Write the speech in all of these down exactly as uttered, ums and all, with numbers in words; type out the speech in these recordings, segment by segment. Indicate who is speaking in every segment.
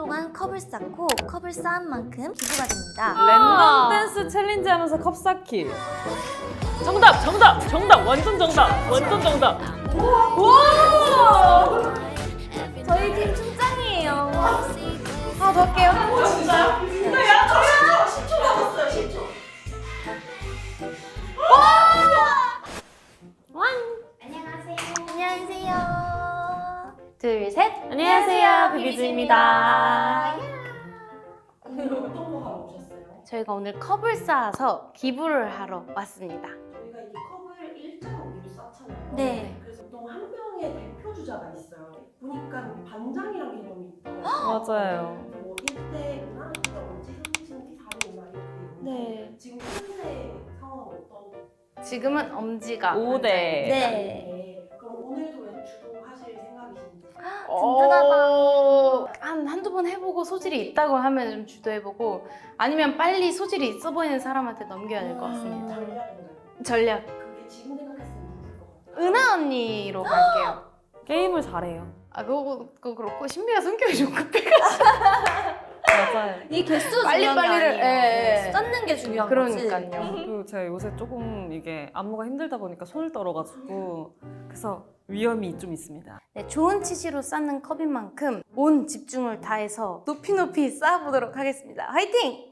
Speaker 1: 동안 컵을 쌓고 컵을 쌓은 만큼 기부가 됩니다.
Speaker 2: 랜덤 댄스 챌린지 하면서 컵 쌓기. 정답! 정답! 정답! 완전 정답! 완전 정답!
Speaker 1: 와! 저희 팀 춤짱이에요. 하나 더 할게요.
Speaker 3: 진짜요? 진짜 야, 저 십 초 남았어요. 십 초.
Speaker 1: 안녕하세요. 안녕하세요. 둘, 셋.
Speaker 2: 안녕하세요, 비비즈입니다.
Speaker 3: 오늘 어떤 거 하러 오셨어요?
Speaker 1: 저희가 오늘 컵을 쌓아서 기부를 하러 왔습니다.
Speaker 3: 저희가 이 컵을 일자로 쌓잖아요.
Speaker 1: 네.
Speaker 3: 그래서 보통 한 명의 대표 주자가 있어요. 보니까 우리 반장이랑 개념이 있더라고요.
Speaker 2: 맞아요.
Speaker 3: 뭐 일 대나 언제 삼 대, 사 대, 오 대 이렇게 있는데
Speaker 1: 네.
Speaker 3: 지금 현재 상황 어떤?
Speaker 1: 지금은 엄지가
Speaker 2: 오 대.
Speaker 1: 네.
Speaker 3: 네. 그럼 오늘도 주도하실 생각이신지?
Speaker 1: 든든하다. 한, 한두 번 해보고 소질이 있다고 하면 좀 주도해보고 아니면 빨리 소질이 있어 보이는 사람한테 넘겨야 될 것 같습니다.
Speaker 3: 전략인가요?
Speaker 1: 전략.
Speaker 3: 그게 지금 생각했으면 누굴 것 같아요?
Speaker 1: 은하 언니로 갈게요.
Speaker 2: 게임을 잘해요.
Speaker 1: 아, 그거, 그거 그렇고 신비가 성격이 좀 급해가지고
Speaker 2: 맞아요.
Speaker 1: 이 개수
Speaker 4: 빨리
Speaker 1: 중요한 게
Speaker 4: 빨리를,
Speaker 1: 아니에요.
Speaker 4: 예, 예.
Speaker 1: 쌓는 게 중요한
Speaker 4: 그러니까요.
Speaker 1: 거지.
Speaker 2: 그리고 제가 요새 조금 이게 안무가 힘들다 보니까 손을 떨어가지고 그래서 위험이 좀 있습니다.
Speaker 1: 네, 좋은 치시로 쌓는 컵인 만큼 온 집중을 다해서 높이 높이 쌓아보도록 하겠습니다. 화이팅!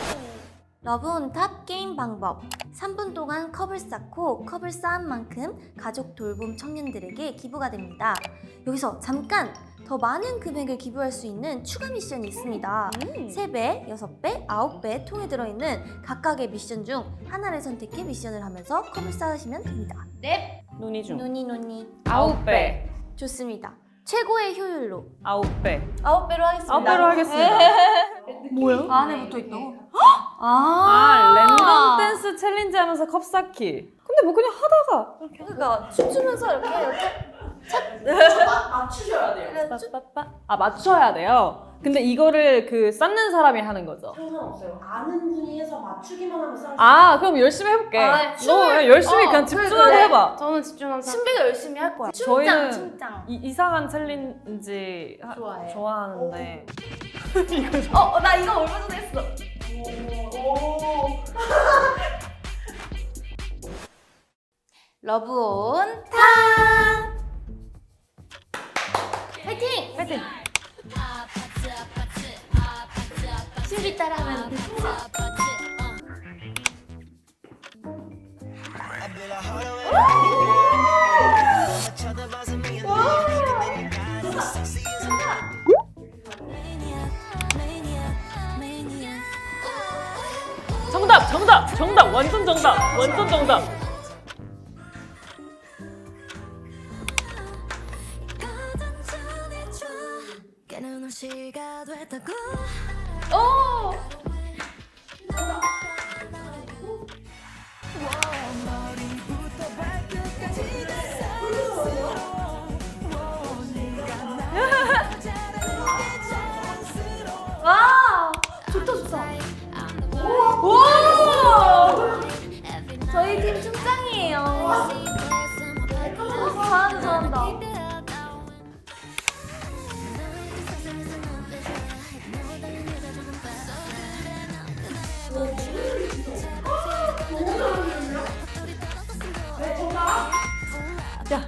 Speaker 1: 러브온탑 게임 방법. 삼 분 동안 컵을 쌓고 컵을 쌓은 만큼 가족 돌봄 청년들에게 기부가 됩니다. 여기서 잠깐! 더 많은 금액을 기부할 수 있는 추가 미션이 있습니다. 세 배, 여섯 배, 아홉 배 통에 들어있는 각각의 미션 중 하나를 선택해 미션을 하면서 컵을 쌓으시면 됩니다. 네!
Speaker 2: 눈이 중.
Speaker 1: 노니 노니.
Speaker 2: 아홉 배.
Speaker 1: 좋습니다. 최고의 효율로
Speaker 2: 아홉 배.
Speaker 1: 아홉 배로 하겠습니다.
Speaker 2: 아홉 배로 하겠습니다.
Speaker 1: 뭐야?
Speaker 4: 안에 붙어 있다고?
Speaker 2: 아, 랜덤 댄스 챌린지 하면서 컵 쌓기. 근데 뭐 그냥 하다가 이렇게
Speaker 1: 그러니까 춤추면서 이렇게 이렇게
Speaker 3: 마, 맞추셔야 돼요.
Speaker 2: 빠빠빠. 아, 맞춰야 돼요. 근데 이거를 그 쌓는 사람이 하는 거죠.
Speaker 3: 상관없어요. 아는 분이 해서 맞추기만 하면 쌓을 수
Speaker 2: 아, 그럼 열심히 해볼게.
Speaker 1: 아,
Speaker 2: 너
Speaker 1: 춤을-
Speaker 2: 그냥 열심히
Speaker 1: 어,
Speaker 2: 그냥
Speaker 1: 그래,
Speaker 2: 집중하고
Speaker 1: 그래.
Speaker 2: 해봐.
Speaker 1: 저는 집중하면 신비가 열심히 할 거야.
Speaker 2: 저희는
Speaker 1: 춤짱 춤짱.
Speaker 2: 이, 이상한 챌린지 하-
Speaker 1: 좋아해요.
Speaker 2: 좋아하는데
Speaker 1: 어, 어, 나 이거 얼마 전에 했어.
Speaker 3: 오, 오.
Speaker 1: 러브온 탑. 파이팅!
Speaker 2: 파이팅!
Speaker 1: 신비 따라하면 돼.
Speaker 2: 정답! 정답! 정답! 완전 정답! 완전 정답!
Speaker 1: 오! 와! 좋다 좋다. 와! 저희 팀 춤짱이에요. 잘한다 잘한다.
Speaker 2: 야!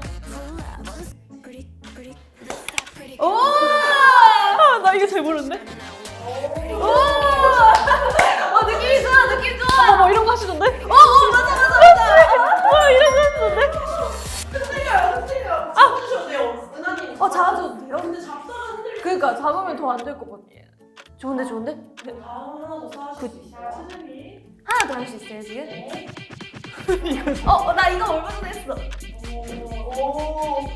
Speaker 1: 오!
Speaker 2: 아, 나 이거 잘 모르는데?
Speaker 1: 오! 어, 느낌이 좋아, 느낌 좋아.
Speaker 2: 어, 뭐 이런 거 하시던데?
Speaker 1: 어, 어, 맞아, 맞아, 맞아.
Speaker 2: 와, 이런 거 하시던데?
Speaker 3: 흔들려요, 흔들려. 잡아주셔도 돼요, 은하님.
Speaker 1: 어, 잡아줘도 돼요?
Speaker 3: 근데 잡다가 흔들려.
Speaker 1: 그러니까 잡으면 더 안 될 것 같아. 좋은데, 좋은데?
Speaker 3: 다음 하나 더 쌓으실 수 있어요. 최준이.
Speaker 1: 하나 더 할 수 있어요, 지금? 어, 어, 나 이거 얼마 전에 했어.
Speaker 3: 오, 오.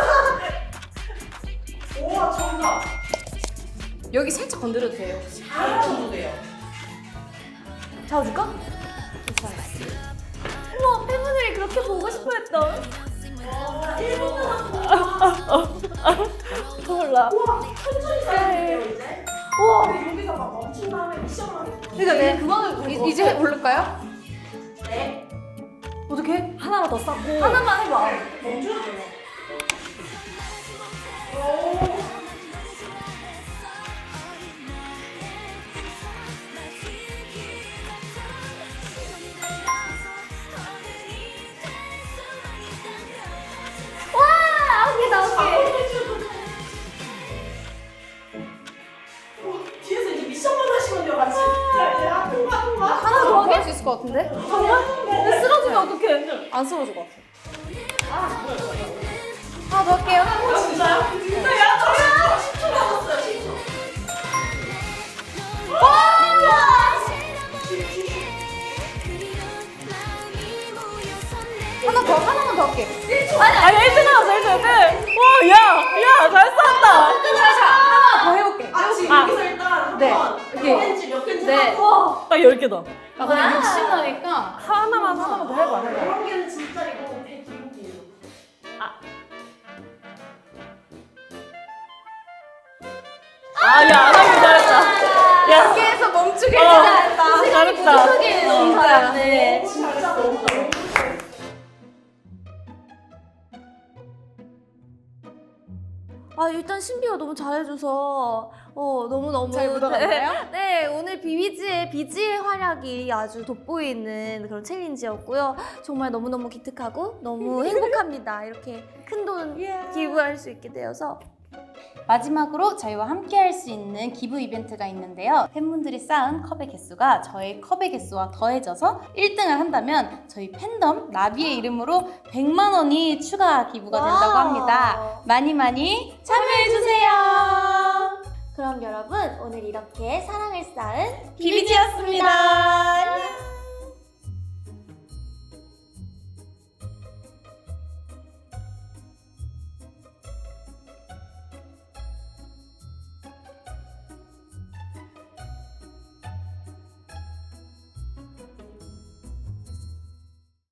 Speaker 3: 오, 정답.
Speaker 4: 여기 살짝 건드려도 돼요.
Speaker 3: 잘하셔도 돼요.
Speaker 1: 잡아줄까? 우와, 팬분들이 그렇게 보고 싶어 했던.
Speaker 3: 일 분
Speaker 2: 몰라.
Speaker 3: 우와, 천천히 쌓여야 돼요, 이제.
Speaker 1: 우와.
Speaker 3: 근데 여기서 막 멈춘 다음에 미션만 해요.
Speaker 1: 그러니까 내가 그거는
Speaker 4: 이, 이제 올릴까요?
Speaker 3: 네.
Speaker 1: 어떻게?
Speaker 2: 하나만 더 쌓고.
Speaker 1: 하나만 해봐.
Speaker 3: 멈춰야 돼요. 오. 어, 뒤에서 이제 미션만 하시면 돼요, 같이. 자, 이제 아, 통과, 통과.
Speaker 4: 하나 더 하게 할 수 있을 것 같은데?
Speaker 2: 근데 쓰러지면 어떡해?
Speaker 4: 안 쓰러질 것 같아. 하나 더 할게요.
Speaker 3: 어, 진짜요? 진짜 야, 저 십 초 남았어요, 십 초.
Speaker 4: 하나 더, 하나만 더 할게.
Speaker 2: 아니 일 등 나왔어 일 등 일 등. 와, 야, 야, 잘 쐈다.
Speaker 4: 하나 더 해볼게.
Speaker 3: 아, 지금
Speaker 2: 아.
Speaker 3: 여기서 일단
Speaker 4: 네.
Speaker 3: 한번
Speaker 4: 오케이.
Speaker 3: 몇 개인지 몇 개인지
Speaker 4: 네.
Speaker 3: 하고
Speaker 2: 딱 열 개다.
Speaker 4: 아, 근데 욕심 나니까.
Speaker 2: 하나만 하나만 더 해봐. 해봐.
Speaker 3: 그런 게는 진짜 이거 되게 기분이에요.
Speaker 2: 아, 야, 안 하길 잘했다. 야,
Speaker 4: 여기에서 멈추길
Speaker 2: 어,
Speaker 4: 잘했다.
Speaker 2: 잘했다.
Speaker 4: 진짜.
Speaker 1: 네.
Speaker 3: 진짜 너무 너무
Speaker 1: 아 일단 신비가 너무 잘해줘서 어 너무 너무
Speaker 4: 잘 묻어갔나요?
Speaker 1: 네 오늘 비비지의 비지의 활약이 아주 돋보이는 그런 챌린지였고요. 정말 너무 너무 기특하고 너무 행복합니다. 이렇게 큰 돈 기부할 수 있게 되어서.
Speaker 5: 마지막으로 저희와 함께 할 수 있는 기부 이벤트가 있는데요. 팬분들이 쌓은 컵의 개수가 저희 컵의 개수와 더해져서 일 등을 한다면 저희 팬덤 나비의 이름으로 백만 원이 추가 기부가 된다고
Speaker 1: 와우.
Speaker 5: 합니다. 많이 많이 참여해주세요.
Speaker 1: 그럼 여러분 오늘 이렇게 사랑을 쌓은
Speaker 5: 비비지였습니다.
Speaker 1: 안녕.